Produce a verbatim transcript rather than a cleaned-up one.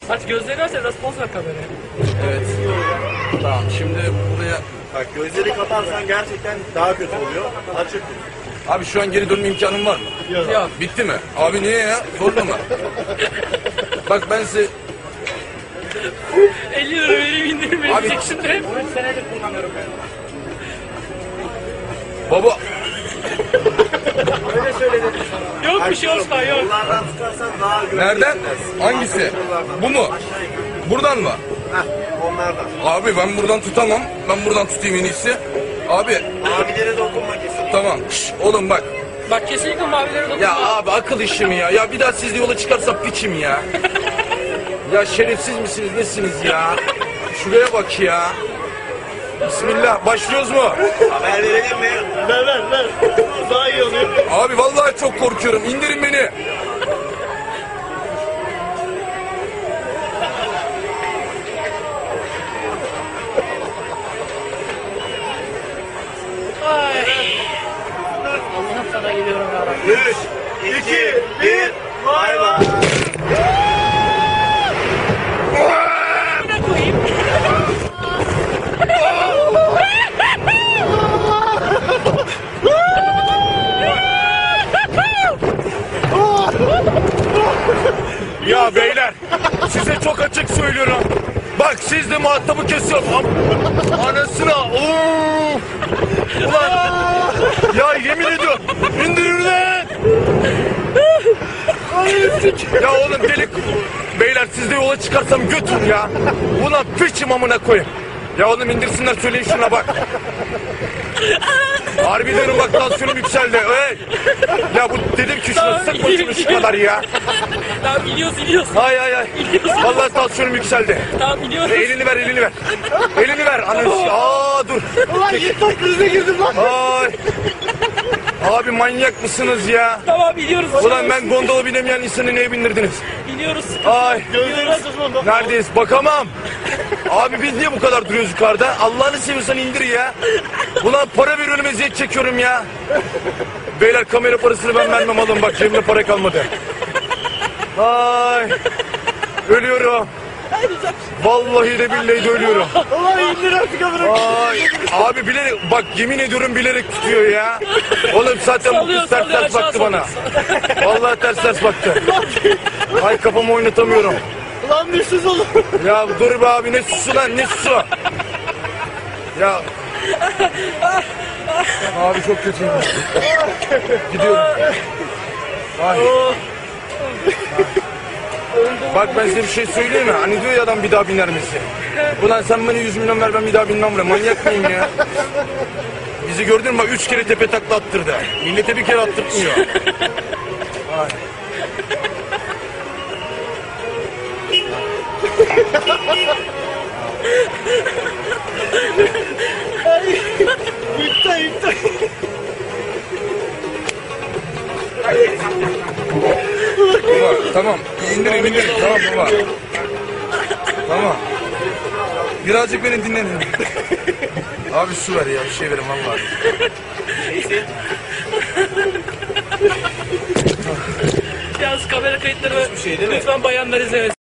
Aç gözlerini aç biraz poz ver kameraya. Evet. Tamam şimdi buraya... Bak gözleri kaparsan gerçekten daha kötü oluyor. Açık. Abi şu an geri dönme imkanım var mı? Yok. Yok. Bitti mi? Abi niye ya? Zorla mı? Bak ben size... elli lira vereyim indirim Abi- verecek şimdi. üç senedir kullanıyorum ben. Baba... Öyle söyledim sana. Yok bir şey Osman yok. Bunlardan tutarsan daha güvenli. Nereden? hissedersin. Hangisi? Yollardan. Bu mu? Aşağı yukarı. Buradan mı? Heh, onlardan. Abi ben buradan tutamam. Ben buradan tutayım en iyisi. Abi Abilere dokunma kesin. tamam. Şş, oğlum bak. Bak kesinlikle mavilere dokunma. Ya abi akıl işi mi ya? Ya bir daha siz de yola çıkarsam piçim ya. Ya şerefsiz misiniz nesiniz ya? Şuraya bak ya. Bismillah başlıyoruz mu? Haber verelim mi? Ver ver ver. Daha iyi oluyor. Abi vallahi çok korkuyorum. İndirin beni. Ay. Allah'ım sana geliyorum ya Rabbi. üç, iki, bir. Bay bay. Ne koyayım? Ya beyler size çok açık söylüyorum. Bak siz de muhatabı kesiyorsun. Am- Anasına. Of. Ulan. Ya yemin ediyorum. İndirin lan. Ya oğlum delik. Beyler siz de yola çıkarsam götür ya. Ulan piçim amına koyayım. Ya oğlum indirsinler söyleyin şuna bak. Harbi diyorum bak tansiyonum yükseldi. Hey. Ya bu dedim ki şuna sıkma şunu şu kadar ya. Tamam iniyoruz iniyoruz. Hay hay hay. Vallahi tansiyonum yükseldi. Tamam iniyoruz. Elini ver, elini ver. Elini ver. Ananı. Aa dur. Ulan yıktak krize girdim lan. Ay. Abi manyak mısınız ya? Tamam iniyoruz. Ulan ben gondola binemeyen insanı neye bindirdiniz? İniyoruz. Ay. Gözlerini sıkma. Neredeyiz? Bakamam. Abi biz niye bu kadar duruyoruz yukarıda? Allah'ını seviyorsan indir ya. Ulan para veriyorum eziyet çekiyorum ya. Beyler kamera parasını ben vermem alın bak cebimde para kalmadı. Ay. Ölüyorum. Vallahi de billahi de ölüyorum. Ulan indir artık amına. Ay, abi bilerek bak yemin ediyorum bilerek tutuyor ya. Oğlum zaten bu Sallıyor, kız ters sallıyor, ters aşağı baktı bana. sallıyor. Vallahi ters ters baktı. Ay kafamı oynatamıyorum. Ulan düşsüz olur. Ya dur be abi ne susu lan ne susu. Ya. Abi çok kötüyüm. Gidiyorum. Ay. Bak ben size bir şey söyleyeyim mi? Hani diyor ya adam bir daha biner misin? Ulan sen bana yüz milyon ver ben bir daha binmem buraya. Manyak mıyım ya? Bizi gördün mü? Bak üç kere tepe takla attırdı. Millete bir kere attırtmıyor. Ay. Yıktak yıktak. Baba tamam. İndirin indirin. Tamam baba. Tamam. Birazcık beni dinlenin. Abi su ver ya bir şey verin vallahi. Yalnız kamera kayıtları şey değil mi? lütfen bayanlar izlemesin.